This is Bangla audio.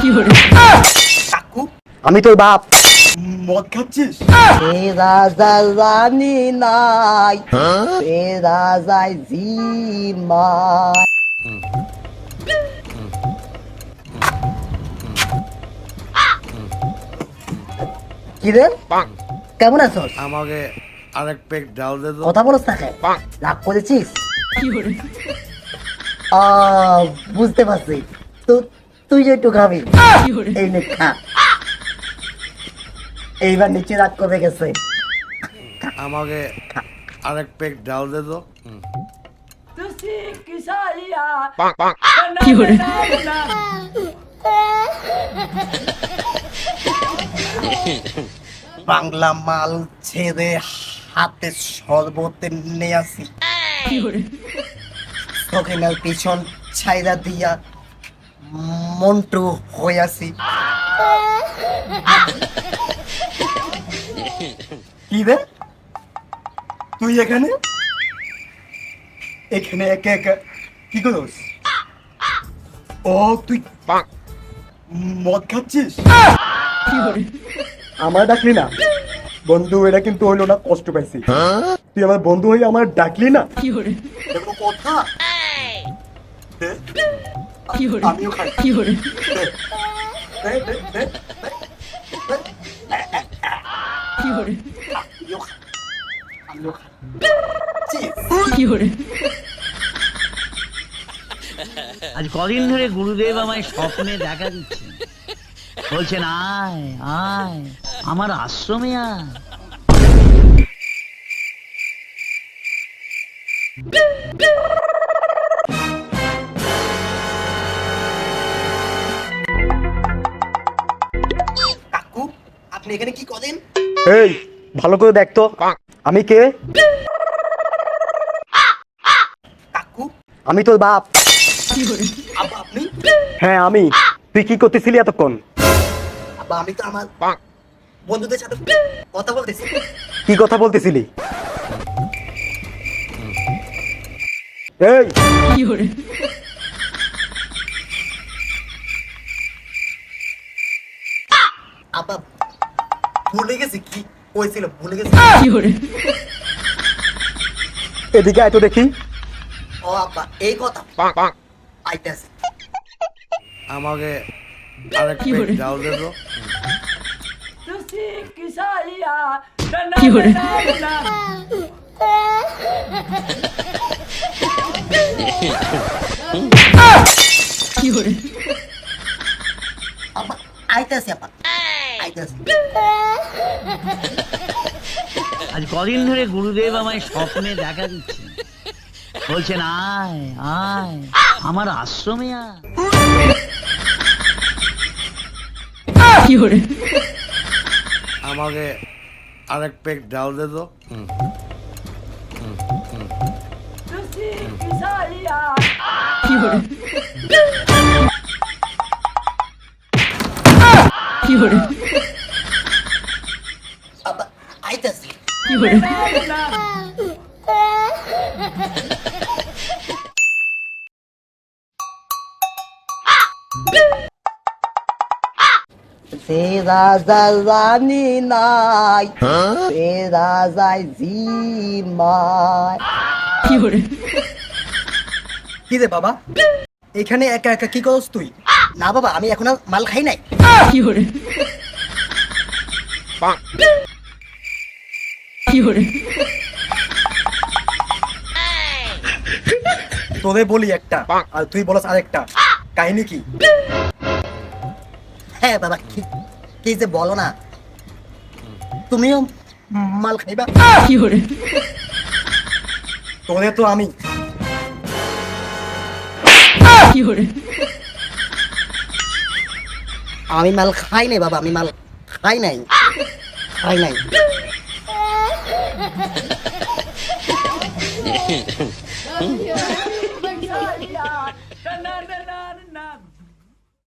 কাকু আমি তোর বাপ। মদ খাচ্ছিস? তেরা জানি নাই তেরা যাই জিমাই। কি রে কেমন আছো? আমাকে আরেক পেক ডাল দে তো। কথা বলছ তাকে রাগ করেছিস? বুঝতে পারছি তো, তুই একটু খাবি, এই নে খা। এইবার নিচে রাগ কমে গেছে। আমাকে আরেক পেক ডাল দে তো। বাংলা মাল ছেড়ে হাতে শরবতে নিয়ে আসি, ওখানে পিছন ছাইরা দিয়া মন্টু হয়ে আসি। কি রে তুই এখানে এখানে একা একা কি করছ? ও তুই মদ খাচ্ছিস? আমার ডাকলি না বন্ধু, এটা কিন্তু হইলো না, কষ্ট পাইছি। তুই আমার বন্ধু হয়ে আমার ডাকলি না, এগুলো কথা। আমিও খাই। দে, দে, দে, দে, দে। আমিও খাই। আমিও খাই। চিজ। আজ কদিন ধরে গুরুদেব আমায় স্বপ্নে দেখা দিচ্ছেন, বলছেন আয় আয় আমার আশ্রমে আয়। কাকু আপনি এখানে কি করেন? এই ভালো করে দেখ তো আমি কে। কাকু আমি তোর বাপ। আব্বা আপনি? হ্যাঁ আমি। তুই কি করতেছিলি এতক্ষণ? আব্বা আমি তো আমার বন্ধুদের সাথে কথা বলতেছি। কি কথা বলতেছিলি? এই আব্বা ভুলে গেছি কি কইছিল, ভুলে গেছি। এদিকে আয় তো দেখি। ও আব্বা এই কথা আইতেছে। আমাকে আরেক পেক ডাল দে তো। আব্বা আইতেছে, আব্বা আইতেছে। আজ কদিন ধরে গুরুদেব আমায় স্বপ্নে দেখা দিচ্ছেন, বলছেন আয় আয় আমার আশ্রমে আয়। আমাকে আরেক পেক ডাল দে তো। আব্বা আইতেছে। তেরা জানি নাই তেরা যাই জিমাই। কি রে বাবা এখানে একা একা কি করছ তুই? না বাবা আমি এখন আর মাল খাই নাই। তোরে বলি একটা আর তুই বলস আরেকটা, কাহিনী কি? হ্যাঁ বাবা কি কি যে বলো না, তুমিও মাল খাইবা? তোরে তো আমি আমি মাল খাই নাই বাবা, আমি মাল খাই নাই, খাই নাই।